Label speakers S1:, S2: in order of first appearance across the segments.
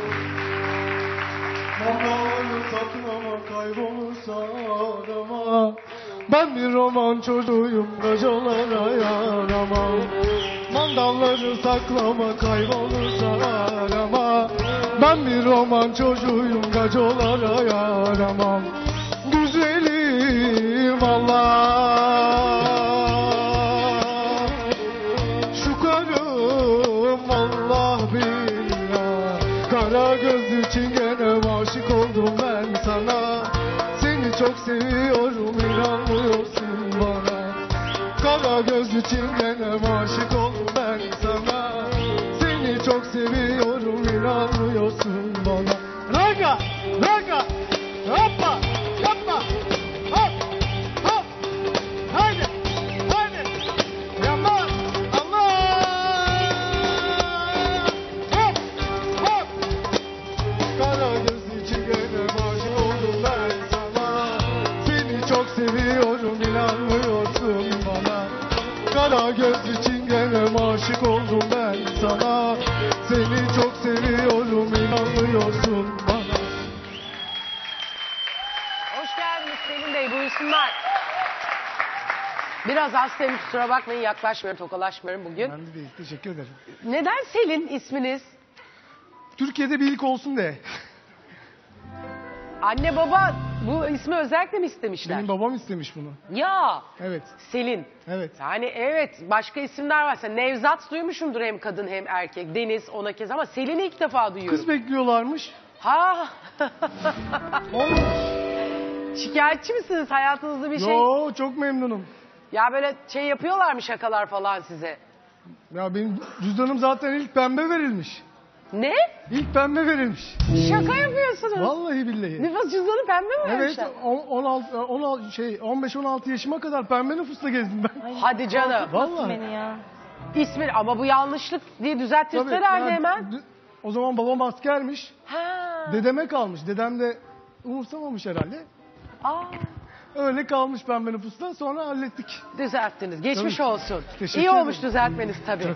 S1: Mandalları saklama kaybolursa arama. Ben bir roman çocuğuyum gacalara yaramam. Mandalları saklama kaybolursa arama. Ben bir roman çocuğuyum gacalara yaramam. Güzelim Allah, şu karım Allah billah. Kara gözlü çingene aşık oldum ben sana. Seni çok seviyorum, inanmıyorsun bana. Kara gözlü çingene aşık oldum ben sana. Seni çok seviyorum, inanmıyorsun bana. Raga, raga, hoppa, hoppa, hop, hop, haydi, haydi, yaman, Allah, hop, hop. Kara gözlü çingene aşık oldum ben sana. Seni çok seviyorum, inanmıyorsun bana. Kara gözlü çingene aşık oldum ben sana. Seni çok seviyorum, inanmıyorsun bana.
S2: Hoş geldiniz Selin Bey, buyursunlar. Biraz hastayım, kusura bakmayın, yaklaşmıyorum, tokalaşmıyorum bugün.
S1: Ben de değil, teşekkür ederim.
S2: Neden Selin isminiz?
S1: Türkiye'de bir ilk olsun de.
S2: Anne baba bu ismi özellikle mi istemişler?
S1: Benim babam istemiş bunu.
S2: Ya
S1: Evet,
S2: Selin.
S1: evet.
S2: Yani evet, başka isimler varsa Nevzat duymuşumdur, hem kadın hem erkek. Deniz ona kez, ama Selin'i ilk defa duyuyorum.
S1: Kız bekliyorlarmış.
S2: Ha.
S1: Olmamış.
S2: Şikayetçi misiniz, hayatınızda bir şey?
S1: Yo, çok memnunum.
S2: Ya böyle şey yapıyorlar mı, şakalar falan size?
S1: Ya benim cüzdanım zaten ilk pembe verilmiş.
S2: Ne?
S1: İlk pembe verilmiş.
S2: Şaka yapıyorsunuz.
S1: Vallahi billahi.
S2: Nüfus cüzdanı pembe mi
S1: Evet,
S2: vermişler?
S1: 15-16 yaşıma kadar pembe nüfusla gezdim ben.
S2: Hadi canım.
S1: Vallahi.
S3: Beni ya.
S2: İsmi ama bu yanlışlık diye düzeltirler
S1: Tabii,
S2: herhalde
S1: yani
S2: hemen.
S1: O zaman babam askermiş.
S2: Ha.
S1: Dedeme kalmış. Dedem de umursamamış herhalde.
S2: Aa,
S1: Öyle kalmış pembe nüfustan, sonra hallettik.
S2: düzelttiniz. Geçmiş
S1: Tabii.
S2: olsun.
S1: Teşekkür
S2: İyi olmuş
S1: ederim.
S2: düzeltmeniz tabii.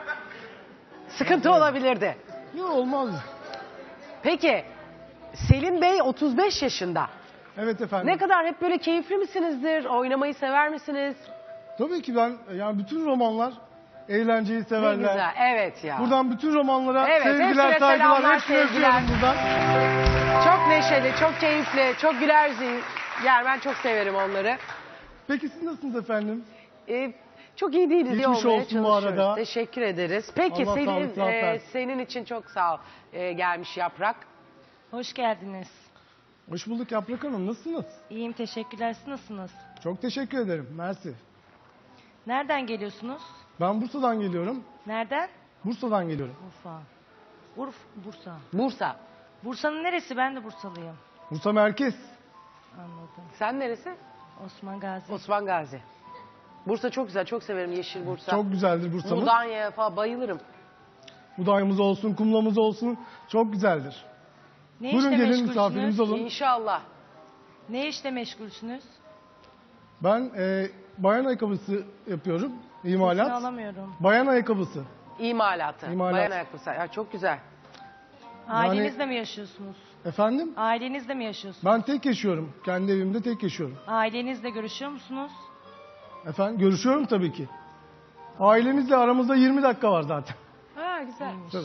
S2: Sıkıntı olabilirdi.
S1: Yok, olmaz.
S2: Peki Selin Bey 35 yaşında.
S1: Evet efendim.
S2: Ne kadar hep böyle keyifli misinizdir? Oynamayı sever misiniz?
S1: Tabii ki ben, yani bütün romanlar eğlenceyi
S2: Ne
S1: severler.
S2: güzel. Evet ya.
S1: Buradan bütün romanlara
S2: Evet, hepsine
S1: sevgiler, saygılar,
S2: selamlar,
S1: hepsine
S2: sevgiler.
S1: öpüyorum buradan.
S2: Çok neşeli, çok keyifli, çok güler zihin. Yani ben çok severim onları.
S1: Peki siz nasılsınız efendim?
S2: Çok iyi değiliz, iyi
S1: Geçmiş
S2: olmaya
S1: olsun bu
S2: çalışıyoruz.
S1: arada.
S2: Teşekkür ederiz. Peki
S1: Allah
S2: Selin,
S1: sağlık, sıhhat versin.
S2: senin için çok sağ ol gelmiş Yaprak.
S3: Hoş geldiniz.
S1: Hoş bulduk Yaprak Hanım, nasılsınız?
S3: İyiyim, teşekkürler. Siz nasılsınız?
S1: Çok teşekkür ederim, mersi.
S3: Nereden geliyorsunuz?
S1: Ben Bursa'dan geliyorum.
S3: Nereden?
S1: Bursa'dan geliyorum.
S3: Urfa. Bursa.
S2: Bursa.
S3: Bursa'nın neresi? Ben de Bursalıyım.
S1: Bursa merkez.
S3: Anladım.
S2: Sen neresi?
S3: Osman Gazi.
S2: Osman Gazi. Bursa çok güzel, çok severim yeşil Bursa.
S1: Çok güzeldir Bursa'mız.
S2: Mudanya falan bayılırım.
S1: Budayımız olsun, kumlamız olsun, çok güzeldir.
S3: Ne
S1: Buyurun
S3: işle
S1: gelin,
S3: meşgulsünüz?
S1: misafirimiz olun.
S2: İnşallah.
S3: Ne işle meşgulsünüz?
S1: Ben bayan ayakkabısı yapıyorum,
S3: Sesini
S1: imalat.
S3: alamıyorum.
S1: Bayan ayakkabısı.
S2: İmalatı.
S1: İmalat.
S2: Bayan ayakkabısı. Ya çok güzel.
S3: Ailenizle mi yaşıyorsunuz?
S1: Efendim?
S3: Ailenizle mi yaşıyorsunuz?
S1: Ben tek yaşıyorum. Kendi evimde tek yaşıyorum.
S3: Ailenizle görüşüyor musunuz?
S1: Efendim, görüşüyorum tabii ki. Ailemizle aramızda 20 dakika var zaten.
S2: Ha güzel.
S1: Tabii.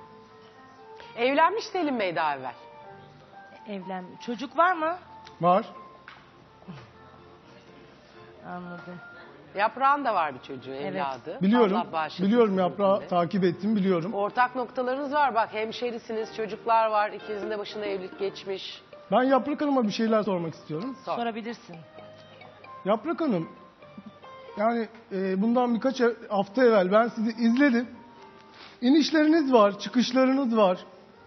S2: Evlenmiş Selim Bey daha evvel.
S3: Çocuk var mı?
S1: Var.
S3: Anladım.
S2: Yaprağın da var bir çocuğu, evladı.
S1: Biliyorum.
S2: Allah bağışlasın
S1: Biliyorum,
S2: sizin
S1: Yaprağı
S2: de.
S1: takip ettim, biliyorum.
S2: Ortak noktalarınız var bak, hemşerisiniz, çocuklar var, ikinizin de başında evlilik geçmiş.
S1: Ben Yaprak Hanım'a bir şeyler sormak istiyorum.
S2: Sor.
S3: Sorabilirsin.
S1: Yaprak Hanım, yani bundan birkaç hafta evvel ben sizi izledim. İnişleriniz var, çıkışlarınız var.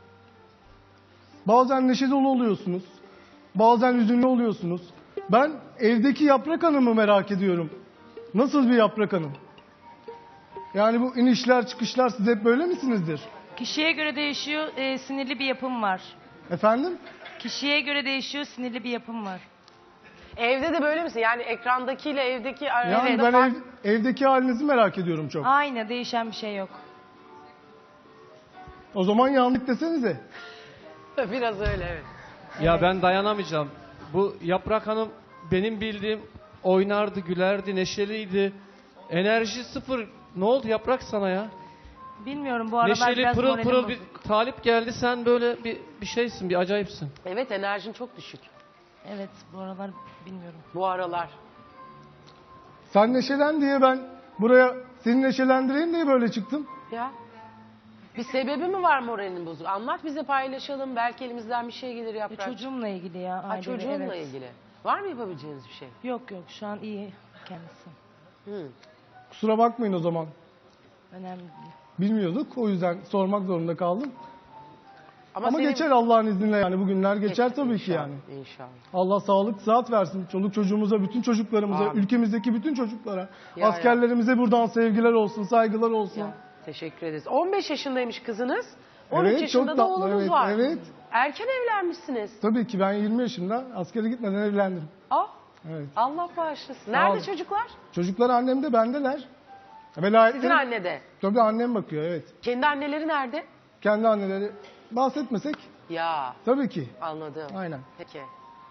S1: Bazen neşe dolu oluyorsunuz. Bazen hüzünlü oluyorsunuz. Ben evdeki Yaprak Hanım'ı merak ediyorum. Nasıl bir Yaprak Hanım? Yani bu inişler çıkışlar, siz hep böyle misinizdir?
S3: Kişiye göre değişiyor, sinirli bir yapım var.
S1: Efendim?
S3: Kişiye göre değişiyor, sinirli bir yapım var.
S2: Evde de böyle misin? Yani ekrandakiyle evdeki
S1: Yani
S2: arasında
S1: ben
S2: fark...
S1: evdeki halinizi merak ediyorum çok.
S3: Aynı, değişen bir şey yok.
S1: O zaman yandık desenize.
S2: Biraz öyle evet.
S4: Ya ben dayanamayacağım. Bu Yaprak Hanım benim bildiğim oynardı, gülerdi, neşeliydi. Enerji sıfır. Ne oldu Yaprak sana ya?
S3: Bilmiyorum bu aralar
S4: Neşeli,
S3: biraz
S4: pırıl
S3: moralim
S4: pırıl
S3: bozuk.
S4: bir talip geldi. Sen böyle bir şeysin, bir acayipsin.
S2: Evet enerjin çok düşük
S3: Evet bu aralar bilmiyorum.
S2: bu aralar.
S1: Sen neşelen diye ben buraya seni neşelendireyim diye böyle çıktım.
S2: Ya. Bir sebebi mi var moralinin bozuk? Anlat bize paylaşalım. Belki elimizden bir şey gelir Yaprak.
S3: Çocuğumla ilgili ya.
S2: Ha,
S3: ailevi,
S2: çocuğunla
S3: evet.
S2: ilgili. Var mı yapabileceğiniz bir şey?
S3: Yok yok şu an iyi kendisi.
S2: Hı.
S1: Kusura bakmayın o zaman.
S3: Önemli değil.
S1: Bilmiyorduk. O yüzden sormak zorunda kaldım. Ama
S2: senin-
S1: geçer Allah'ın izniyle yani. Bugünler geçer tabii ki
S2: İnşallah,
S1: yani.
S2: İnşallah.
S1: Allah sağlık, sıhhat versin. Çoluk çocuğumuza, bütün çocuklarımıza,
S2: Amin.
S1: ülkemizdeki bütün çocuklara.
S2: Ya,
S1: askerlerimize buradan sevgiler olsun, saygılar olsun.
S2: Ya, teşekkür ederiz. 15 yaşındaymış kızınız. 13
S1: Evet,
S2: yaşında
S1: çok
S2: da
S1: tatlı,
S2: oğlunuz
S1: evet,
S2: var.
S1: evet.
S2: Erken evlenmişsiniz.
S1: Tabii ki ben 20 yaşında askere gitmeden evlendim.
S2: Ah,
S1: Evet.
S2: Allah bağışlasın.
S1: Sağ
S2: Nerede
S1: olun.
S2: çocuklar?
S1: Çocuklar annemde, bendeler.
S2: Sizin
S1: Velayetleri,
S2: annede.
S1: tabii annem bakıyor, evet.
S2: Kendi anneleri nerede?
S1: Kendi anneleri bahsetmesek
S2: Ya,
S1: tabii ki.
S2: anladım.
S1: Aynen.
S2: Peki.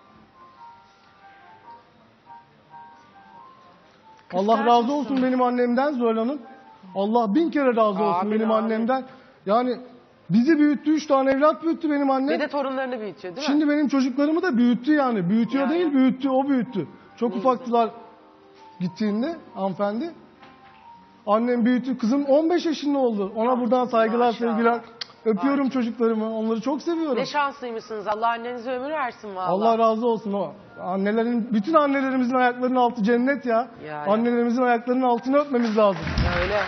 S1: Allah
S2: Kıskanç
S1: razı
S2: mısın?
S1: olsun benim annemden Zuhal Hanım. Allah bin kere razı olsun
S2: Amin,
S1: benim
S2: amin.
S1: annemden. Yani bizi büyüttü, 3 tane evlat büyüttü benim annem.
S2: Ve de torunlarını büyütüyor değil mi?
S1: Şimdi benim çocuklarımı da büyüttü yani. Büyütüyor
S2: Ya,
S1: değil,
S2: ya.
S1: büyüttü, o büyüttü. Çok
S2: Ne
S1: ufaktılar gittiğinde hanımefendi. Annem büyüttü. Kızım 15 yaşında oldu. Ona buradan saygılar,
S2: maşallah.
S1: sevgiler. Öpüyorum
S2: Maşallah.
S1: çocuklarımı. Onları çok seviyorum.
S2: Ne şanslıymışsınız. Allah annenize ömür versin vallahi.
S1: Allah razı olsun o. Annelerin, bütün annelerimizin ayaklarının altı cennet ya.
S2: Ya.
S1: Annelerimizin ayaklarının altını öpmemiz lazım.
S2: Öyle.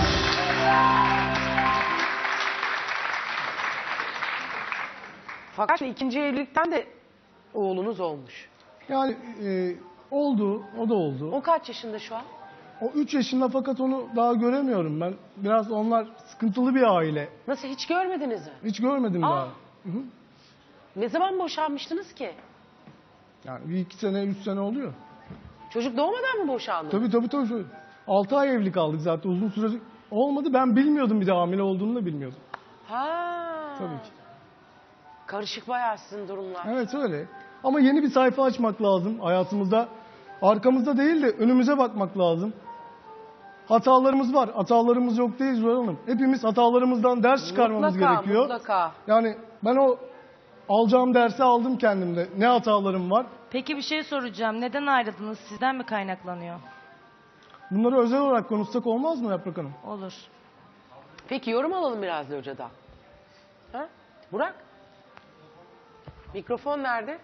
S2: Fakat ikinci evlilikten de oğlunuz olmuş.
S1: Yani oldu, o da oldu.
S2: O kaç yaşında şu an?
S1: O 3 yaşında fakat onu daha göremiyorum ben. Biraz onlar sıkıntılı bir aile.
S2: Nasıl hiç görmediniz mi?
S1: Hiç görmedim
S2: Aa.
S1: daha.
S2: Ne zaman boşanmıştınız ki?
S1: Yani bir 2 sene, 3 sene oluyor.
S2: Çocuk doğmadan mı boşandınız?
S1: Tabii. 6 ay evli kaldık zaten. Uzun süre olmadı. Ben bilmiyordum bir de hamile olduğunu da bilmiyordum.
S2: Ha.
S1: Tabii ki.
S2: Karışık bayağı sizin durumlar.
S1: Evet öyle. Ama yeni bir sayfa açmak lazım hayatımızda. Arkamızda değil de önümüze bakmak lazım. Hatalarımız var. Hatalarımız yok değil Zuhal Hanım. Hepimiz hatalarımızdan ders çıkarmamız gerekiyor.
S2: Mutlaka.
S1: Yani ben o alacağım dersi aldım kendimde. Ne hatalarım var.
S3: Peki bir şey soracağım. Neden ayrıldınız? Sizden mi kaynaklanıyor?
S1: Bunları özel olarak konuşsak olmaz mı Yaprak Hanım?
S3: Olur.
S2: Peki yorum alalım biraz da hocadan. Ha? Burak? Mikrofon nerede?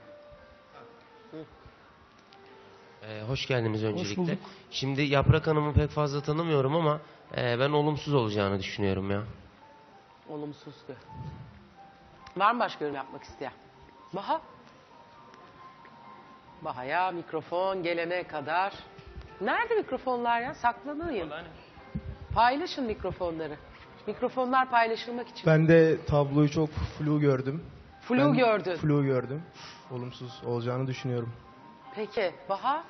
S5: Hoş geldiniz öncelikle.
S1: bulduk.
S5: Şimdi Yaprak Hanım'ı pek fazla tanımıyorum ama ben olumsuz olacağını düşünüyorum ya.
S2: Olumsuz diyor. Var mı başka yorum yapmak isteyen? Baha? Baha'ya mikrofon gelene kadar. Nerede mikrofonlar ya? Saklanayım. Paylaşın mikrofonları. Mikrofonlar paylaşılmak için.
S6: Ben de tabloyu çok flu gördüm.
S2: Flu gördün.
S6: Flu gördüm. Olumsuz olacağını düşünüyorum.
S2: Peki Baha?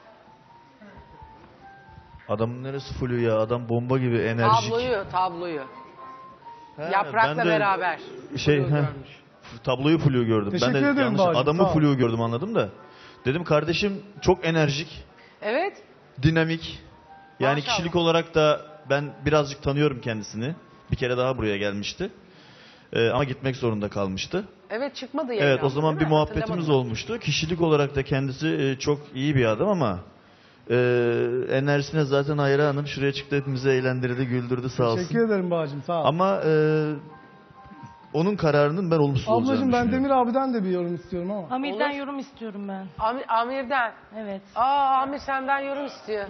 S7: Adamın neresi flu ya? Adam bomba gibi enerjik.
S2: Tabloyu.
S7: He,
S2: Yaprakla
S7: ben de
S2: beraber.
S7: Şey,
S2: Flu
S7: he,
S2: görmüş.
S7: tabloyu flu gördüm.
S1: Teşekkür
S7: ben de
S1: ederim
S7: yanlış
S1: Bahacığım,
S7: adamı
S1: sağ ol.
S7: flu gördüm anladım da. Dedim kardeşim çok enerjik,
S2: Evet.
S7: dinamik. Yani
S2: Maşallah.
S7: kişilik olarak da ben birazcık tanıyorum kendisini. Bir kere daha buraya gelmişti. Ama gitmek zorunda kalmıştı.
S2: Evet çıkmadı yayına.
S7: Evet o zaman
S2: değil
S7: bir
S2: mi?
S7: muhabbetimiz
S2: Hatırlamadım.
S7: olmuştu. Kişilik olarak da kendisi çok iyi bir adam ama enerjisine zaten hayranım. Şuraya çıktı hepimizi eğlendirdi, güldürdü sağ olsun.
S1: Teşekkür ederim Bağcığım, sağ ol.
S7: Ama onun kararının ben olumsuz olacağını
S1: Ablacığım ben
S7: düşünüyorum.
S1: Demir abiden de bir yorum istiyorum ama.
S3: Amir'den
S2: Olur.
S3: yorum istiyorum ben.
S2: Amir'den.
S3: Evet.
S2: Amir senden yorum istiyor.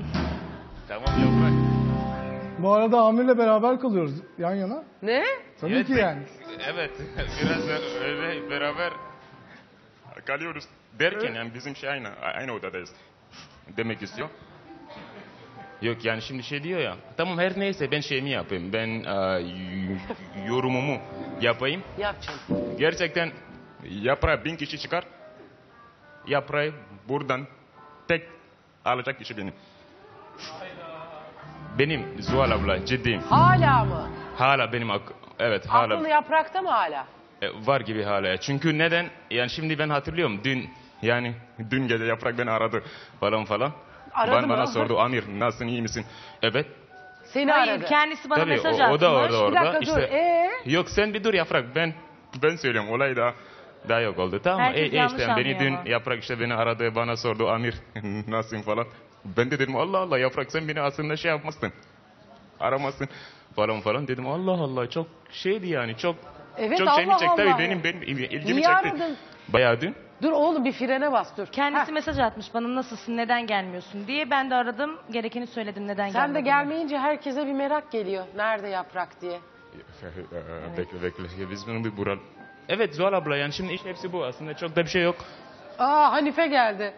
S1: Bu arada Amir'le beraber kalıyoruz yan yana.
S2: Ne?
S1: Tabii ki yani.
S8: Evet, biraz da öyle beraber kalıyoruz derken yani bizim şey aynı odadayız demek istiyor. Yok yani şimdi şey diyor ya, tamam her neyse ben şeyimi yapayım, ben yorumumu yapayım.
S2: Yap canım.
S8: Gerçekten yaprağı 1000 kişi çıkar, yaprağı buradan tek alacak kişi benim. Benim Zuhal abla ciddiyim.
S2: Hala mı?
S8: Hala benim Evet hala
S2: Aklını yaprakta mı hala?
S8: var gibi hala. Çünkü neden? Yani şimdi ben hatırlıyorum dün gece Yaprak beni aradı falan.
S2: Aradı mı?
S8: Bana sordu, Amir nasılsın, iyi misin? Evet.
S2: Seni
S3: Hayır,
S2: aradı.
S3: kendisi bana
S8: Tabii
S3: mesaj
S8: o
S3: atmış.
S8: da orada.
S2: Bir dakika dur.
S8: İşte, yok sen bir dur Yaprak, ben söylüyorum, olay daha yok oldu, tamam mı?
S3: Herkes yanlış
S8: işte beni
S3: anlıyor ama.
S8: dün Yaprak işte beni aradı, bana sordu, Amir nasılsın falan. Ben de dedim Allah Allah Yaprak, sen beni aslında şey yapmazsın, aramazsın falan dedim. Allah Allah, çok şeydi yani, çok
S2: Evet,
S8: çok
S2: Allah
S8: şeyimi çekti
S2: Allah.
S8: tabii, benim ilgimi
S2: Niye
S8: çekti.
S2: aradın?
S8: Bayağı dün.
S2: Dur oğlum, bir frene bas dur.
S3: Kendisi
S2: Heh,
S3: mesaj atmış bana, nasılsın, neden gelmiyorsun diye. Ben de aradım, gerekeni söyledim, neden
S2: sen de
S3: gelmediğini.
S2: gelmeyince herkese bir merak geliyor. Nerede Yaprak diye.
S8: Bekle. Biz bunu bir bural. Evet Zuhal abla, yani şimdi iş hepsi bu. Aslında çok da bir şey yok.
S2: Aa, Hanife geldi.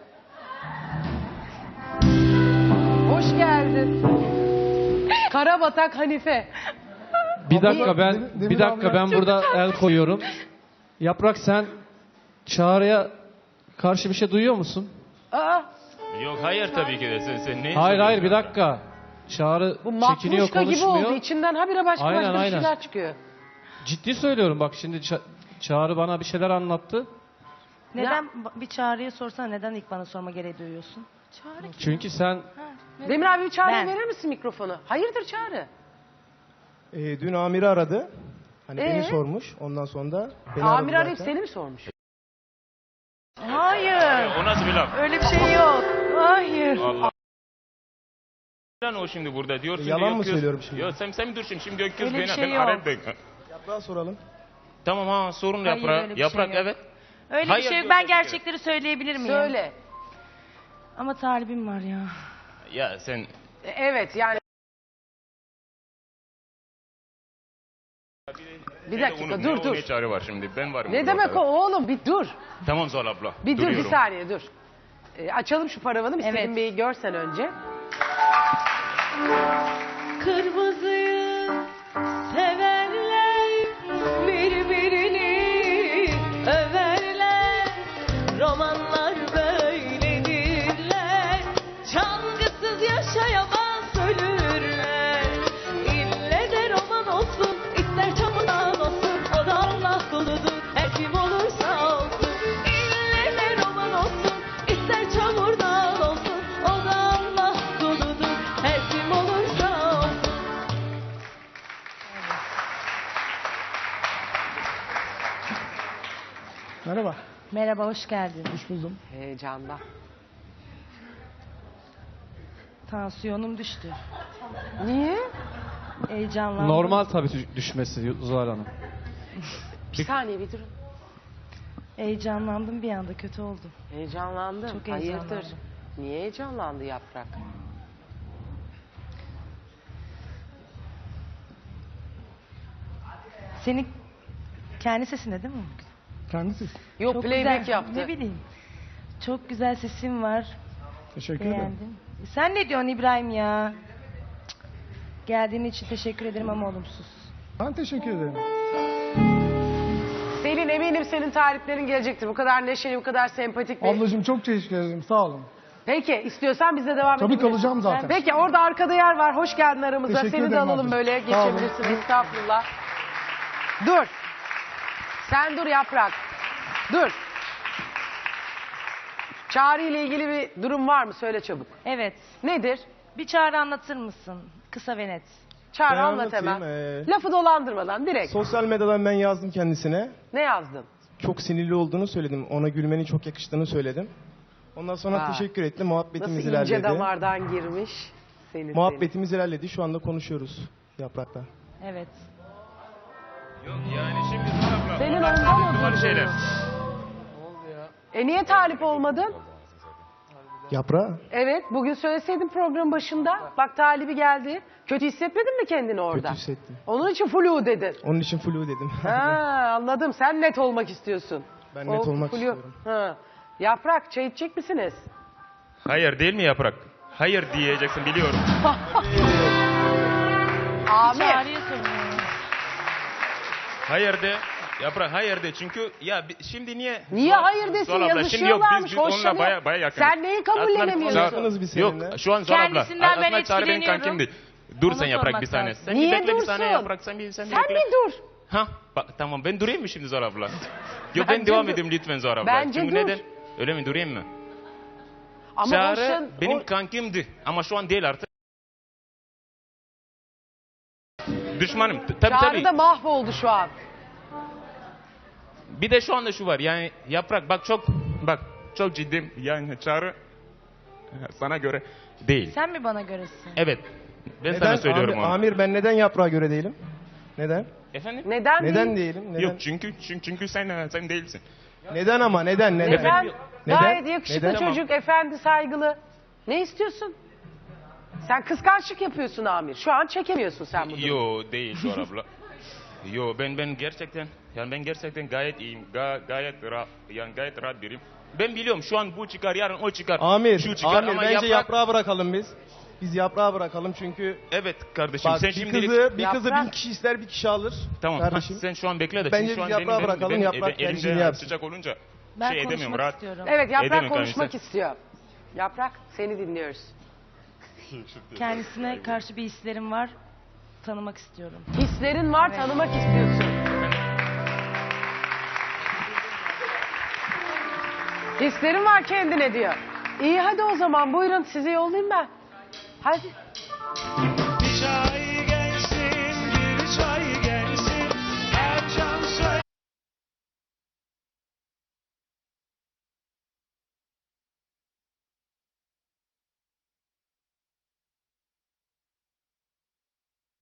S2: Hoş geldin. Karabatak Hanife.
S4: Bir dakika
S1: Demir
S4: bir dakika
S1: abiler-
S4: ben burada el koyuyorum. Yaprak, sen Çağrı'ya karşı bir şey duyuyor musun?
S2: Aa,
S8: Yok hayır tabii ki de. Sen ne
S4: Hayır bir dakika. Çağrı
S2: bu
S4: çekiniyor,
S2: matruşka gibi
S4: konuşmuyor.
S2: oldu. İçinden habire başka
S4: Aynen,
S2: bir
S4: aynen.
S2: şeyler çıkıyor.
S4: Ciddi söylüyorum, bak şimdi Çağrı bana bir şeyler anlattı.
S3: Neden bir Çağrı'ya sorsana, neden ilk bana sorma gereği duyuyorsun? Çağrı kim?
S4: Çünkü sen
S2: Demir abi, bir Çağrı'ya
S3: Ben.
S2: verir misin mikrofonu? Hayırdır Çağrı?
S6: Dün amiri aradı. Hani
S2: Ee?
S6: beni sormuş. Ondan sonra da beni
S2: Amir
S6: aradı
S2: arayıp
S6: zaten.
S2: seni mi sormuş?
S3: Hayır,
S8: O nasıl bir laf?
S3: öyle bir şey yok. Hayır.
S8: Allah. Lan o şimdi burada diyorsun.
S6: Yalan
S8: yok,
S6: mı söylüyorum şimdi?
S8: Yok sen mi dur şimdi Gökyüz
S3: Öyle bir
S8: beni
S3: şey
S8: ben
S3: yok.
S8: arayayım da.
S6: Yaprağa soralım.
S8: Tamam sorun
S3: Hayır,
S8: Yaprak.
S3: öyle bir
S8: Yaprak
S3: şey yok.
S8: evet.
S3: Öyle
S8: Hayır
S3: bir şey yok.
S8: diyor
S3: Ben
S8: tabii ki.
S3: gerçekleri söyleyebilir miyim?
S2: Söyle.
S3: Ama talibim var ya.
S8: Ya sen
S2: Evet yani. Bir dakika, dur.
S8: Ne çare var şimdi? Ben varım.
S2: Ne
S8: burada
S2: demek o
S8: ortada.
S2: oğlum, bir dur.
S8: Tamam Zuhal abla.
S2: Bir dur, bir
S8: duruyorum.
S2: saniye dur. Açalım şu paravanı, bir
S3: Evet.
S2: Selim Bey'i görsen önce.
S3: Kırmızıyı severler, birbirini överler. Romanlar böyledirler, çalgısız yaşayamaz ölürler. İlle de roman olsun, ister çamurdan olsun, o da Allah kuludur, her kim olursa olsun. İlle de roman olsun, ister çamurdan olsun, o da Allah kuludur, her kim olursa olsun.
S1: Merhaba.
S3: Merhaba, hoş geldin.
S1: Hoş buldum.
S2: Heyecanda.
S3: Tansiyonum düştü.
S2: Niye?
S3: Heyecanlandım.
S4: normal tabii düşmesi Zuhal Hanım.
S2: Bir saniye, bir durun.
S3: Heyecanlandım, bir anda kötü oldum.
S2: Heyecanlandım.
S3: Çok
S2: Hayırdır?
S3: heyecanlandım.
S2: Niye heyecanlandı Yaprak?
S3: Senin kendi sesinde değil mi?
S1: Kendisi.
S2: Yok,
S3: Çok
S2: playback
S3: güzel.
S2: yaptı.
S3: Ne bileyim. Çok güzel sesin var.
S1: Teşekkür ederim.
S3: Beğendim. Sen ne diyorsun İbrahim ya? Cık. Geldiğin için teşekkür ederim ama olumsuz.
S1: Ben teşekkür ederim.
S2: Selin, eminim senin tariflerin gelecektir. Bu kadar neşeli, bu kadar sempatik bir...
S1: Ablacığım çok teşekkür ederim. Sağ olun.
S2: Peki, istiyorsan biz de devam
S1: Tabii
S2: edebiliriz.
S1: kalacağım zaten.
S2: Peki, orada arkada yer var. Hoş geldin aramıza.
S1: Teşekkür
S2: Seni de
S1: ederim
S2: alalım
S1: ablacığım.
S2: böyle.
S1: Sağ olun.
S2: Geçebilirsin. Estağfurullah. Dur. Sen dur Yaprak. Dur. Çağrı ile ilgili bir durum var mı? Söyle çabuk.
S3: Evet.
S2: Nedir?
S3: Bir çağrı anlatır mısın? Kısa ve net.
S2: Çağrı,
S6: Ben
S2: anlat
S6: anlatayım,
S2: hemen. Lafı dolandırmadan direkt.
S6: Sosyal medyadan ben yazdım kendisine.
S2: Ne yazdın?
S6: Çok sinirli olduğunu söyledim. Ona gülmenin çok yakıştığını söyledim. Ondan sonra
S2: Vay.
S6: teşekkür etti.
S2: Nasıl
S6: Muhabbetimiz
S2: ince
S6: ilerledi.
S2: damardan girmiş. Seni.
S6: Muhabbetimiz ilerledi. Şu anda konuşuyoruz Yaprak'la.
S3: Evet.
S8: Yok yani şimdi Zuhal abla.
S2: Senin
S8: onlar
S2: ondan mı
S8: doğal
S2: durdun?
S8: şeyler.
S2: Niye talip olmadın?
S6: Yaprak?
S2: Evet, bugün söyleseydin program başında. Bak talibi geldi. Kötü hissetmedin mi kendini orada?
S6: Kötü hissettim.
S2: Onun için flu dedin.
S6: Onun için flu dedim.
S2: Ha, anladım. Sen net olmak istiyorsun.
S6: Ben net olmak istiyorum.
S2: Ha. Yaprak, çay içecek misiniz?
S8: Hayır değil mi Yaprak? Hayır diyeceksin biliyorum.
S2: Amir.
S3: Çağrı'ya soruyorum.
S8: Hayır de. Yaprak hayır de çünkü ya şimdi niye?
S2: Niye hayır desin?
S8: Zuhal abla, şimdi yok
S2: Yazışıyorlarmış,
S8: biz onunla
S2: hoşlanıyor.
S8: baya yakınız.
S2: Sen neyi kabullenemiyorsun?
S6: Yakınız biz seninle.
S8: Yok şu an Zuhal abla.
S3: Kendisinden ben
S8: Aslında Çağrı benim
S3: etkileniyorum.
S8: kankimdi. Dur
S3: Ona
S8: sen Yaprak
S3: sormak
S8: bir saniye.
S3: lazım.
S8: Sen
S2: Niye
S8: bir bekle bir
S2: dursun?
S8: saniye Yaprak sen bir
S2: Sen
S8: bekle.
S2: bir dur.
S8: Ha, bak, tamam ben durayım mı şimdi Zuhal abla? Yok ben
S2: Bence
S8: devam
S2: dur.
S8: edeyim lütfen Zuhal abla.
S2: Bence
S8: Çünkü
S2: dur.
S8: neden? Öyle mi durayım mı?
S2: Ama
S8: Çağrı
S2: boşan-
S8: benim kankimdi ama şu an değil artık. Düşmanım. Tabii
S2: Çağrı
S8: tabii.
S2: da mahvoldu şu an.
S8: Bir de şu anda şu var yani Yaprak bak çok ciddiyim yani Çağrı sana göre değil.
S9: Sen mi bana göresin?
S8: Evet. Ben
S6: Neden?
S8: sana söylüyorum
S6: Amir,
S8: onu.
S6: Amir, ben neden yaprağa göre değilim? Neden?
S8: Efendim?
S2: Neden
S6: Neden
S2: değil?
S6: değilim? Neden?
S8: Yok çünkü sen değilsin.
S6: Neden ama? Neden? Neden?
S2: Neden?
S6: Neden?
S2: Gayet yakışıklı
S6: Neden?
S2: çocuk, efendi, saygılı. Ne istiyorsun? Sen kıskançlık yapıyorsun Amir. Şu an çekemiyorsun sen bunu.
S8: Yo değil Zuhal abla. Yo ben gerçekten gayet iyiyim. Gayet rahat biriyim. Ben biliyorum şu an bu çıkar yarın o çıkar.
S6: Amir,
S8: şu çıkar
S6: Amir
S8: ama
S6: bence yaprağı bırakalım biz. Biz yaprağı bırakalım çünkü
S8: Evet kardeşim
S6: bak
S8: sen
S6: bir
S8: şimdilik
S6: kızı
S2: Yaprak-
S6: 1000 kişi ister 1 kişi alır.
S8: tamam
S6: Kardeşim.
S8: sen şu an bekle de
S6: Bence
S8: çünkü şu an
S6: biz yaprağı bırakalım, yaprak tercihini
S8: elimde
S6: yapsın.
S8: sıcak olunca
S9: Ben
S8: şey edemiyorum
S9: konuşmak
S8: rahat.
S9: istiyorum.
S2: Evet, Yaprak
S8: Edemem
S2: konuşmak
S8: kardeşim.
S2: istiyor. Yaprak, seni dinliyoruz.
S9: Kendisine karşı bir hislerim var. Tanımak istiyorum.
S2: Hislerin var,
S9: Evet.
S2: tanımak istiyorsun. Hislerin var kendine diyor. İyi hadi o zaman buyurun sizi yollayayım ben. Hadi.